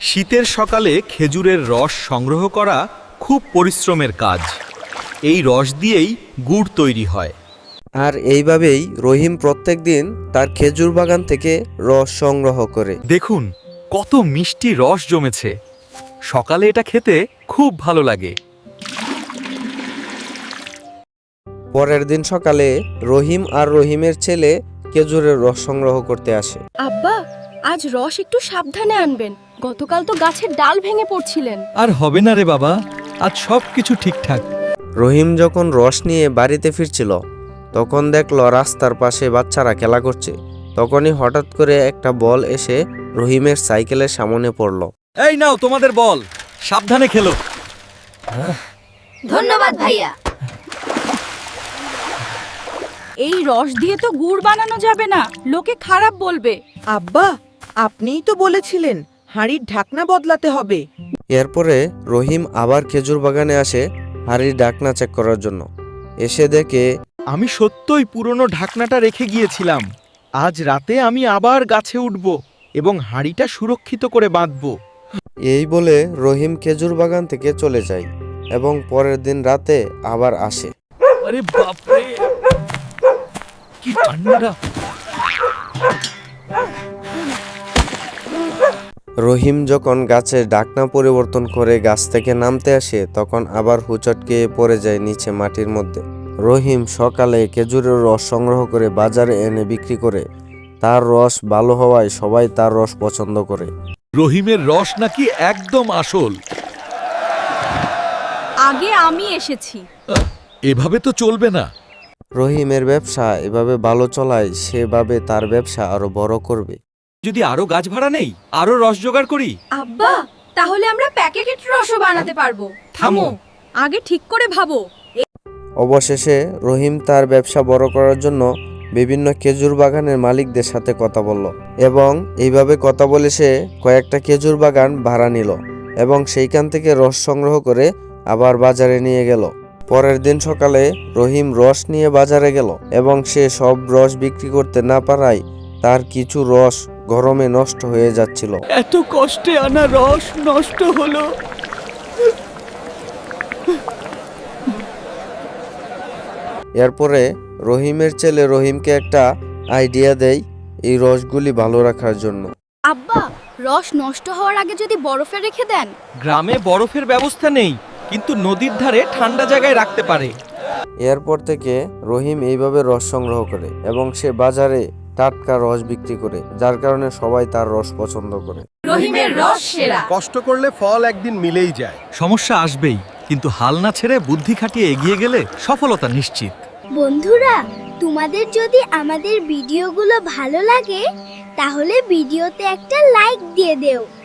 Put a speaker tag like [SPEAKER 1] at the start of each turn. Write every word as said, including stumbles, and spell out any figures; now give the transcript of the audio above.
[SPEAKER 1] শীতের সকালে খেজুরের রস সংগ্রহ করা খুব পরিশ্রমের কাজ। এই রস দিয়েই গুড় তৈরি হয়।
[SPEAKER 2] আর এইভাবেই রহিম প্রত্যেকদিন তার খেজুর বাগান থেকে রস সংগ্রহ করে।
[SPEAKER 1] দেখুন কত মিষ্টি রস জমেছে। সকালে এটা খেতে খুব ভালো লাগে।
[SPEAKER 2] পরের দিন সকালে রহিম আর রহিমের ছেলে খেজুরের রস সংগ্রহ করতে আসে।
[SPEAKER 3] আব্বা, আজ রস একটু সাবধানে আনবেন। গতকাল তো গাছের ডাল ভেঙে পড়ছিলেন।
[SPEAKER 1] আর হবে না রে বাবা, আজ সব কিছু ঠিকঠাক।
[SPEAKER 2] রহিম যখন রস নিয়ে বাড়িতে ফিরছিল তখন দেখল রাস্তার পাশে বাচ্চারা খেলা করছে। তখনই হঠাৎ করে একটা বল এসে রহিমের সাইকেলের সামনে পড়ল।
[SPEAKER 1] এই নাও তোমাদের বল, সাবধানে খেলো।
[SPEAKER 3] ধন্যবাদ ভাইয়া। এই রস দিয়ে তো গুড় বানানো যাবে না, লোকে খারাপ বলবে।
[SPEAKER 4] আব্বা, আপনিই তো বলেছিলেন হাঁড়ির ঢাকনা বদলাতে হবে।
[SPEAKER 2] এরপরে রহিম আবার খেজুর বাগানে আসে হাঁড়ির ঢাকনা চেক করার জন্য। এসে দেখে
[SPEAKER 1] আমি সত্যই পুরনো ঢাকনাটা রেখে গিয়েছিলাম। আজ রাতে আমি আবার গাছে উঠব এবং হাঁড়িটা সুরক্ষিত করে বাঁধব।
[SPEAKER 2] এই বলে রহিম খেজুর বাগান থেকে চলে যায় এবং পরের দিন রাতে আবার আসে।
[SPEAKER 1] আরে বাপরে, কি ঠান্ডা!
[SPEAKER 2] রহিম যখন গাছের ঢাকনা পরিবর্তন করে গাছ থেকে নামতে আসে তখন আবার হুচটকে পড়ে যায় নিচে মাটির মধ্যে। রহিম সকালে খেজুরের রস সংগ্রহ করে বাজারে এনে বিক্রি করে। তার রস ভালো হওয়ায় সবাই তার রস পছন্দ করে।
[SPEAKER 1] রহিমের রস নাকি একদম আসল।
[SPEAKER 3] আগে আমি এসেছি।
[SPEAKER 1] এভাবে তো চলবে না।
[SPEAKER 2] রহিমের ব্যবসা এভাবে ভালো চলায় সেভাবে তার ব্যবসা আরো বড় করবে।
[SPEAKER 1] যদি আরো গাছ ভাড়া নেই, আরো রস জোগাড় করি।
[SPEAKER 3] আব্বা, তাহলে আমরা প্যাকেটের রসও বানাতে পারবো।
[SPEAKER 1] থামো।
[SPEAKER 3] আগে ঠিক করে ভাবো।
[SPEAKER 2] অবশেষে রহিম তার ব্যবসা বড় করার জন্য বিভিন্ন খেজুর বাগানের মালিকদের সাথে কথা বলল এবং এইভাবে কথা বলে সে কয়েকটা খেজুর বাগান ভাড়া নিল এবং সেইখান থেকে রস সংগ্রহ করে আবার বাজারে নিয়ে গেল। পরের দিন সকালে রহিম রস নিয়ে বাজারে গেল এবং সে সব রস বিক্রি করতে না পারায় তার কিছু রস গরমে নষ্ট হয়ে যাচ্ছিল।
[SPEAKER 1] এত কষ্টে আনা রস নষ্ট হলো।
[SPEAKER 2] এরপরে রহিমের ছেলে রহিমকে একটা আইডিয়া দেয় এই রসগুলি ভালো রাখার জন্য।
[SPEAKER 3] আব্বা, রস নষ্ট হওয়ার আগে যদি বরফে রেখে দেন।
[SPEAKER 1] গ্রামে বরফের ব্যবস্থা নেই, কিন্তু নদীর ধারে ঠান্ডা জায়গায় রাখতে পারে।
[SPEAKER 2] এরপর থেকে রহিম এইভাবে রস সংগ্রহ করে এবং সে বাজারে টাটকা রস বিক্রি করে, যার কারণে সবাই তার রস পছন্দ করে।
[SPEAKER 3] রহিমের রস সেরা।
[SPEAKER 5] কষ্ট করলে ফল একদিন মিলেই যায়।
[SPEAKER 1] সমস্যা আসবেই, কিন্তু হাল না ছেড়ে বুদ্ধি খাটিয়ে এগিয়ে গেলে সফলতা নিশ্চিত।
[SPEAKER 6] বন্ধুরা, তোমাদের যদি আমাদের ভিডিওগুলো ভালো লাগে তাহলে ভিডিওতে একটা লাইক দিয়ে দেও।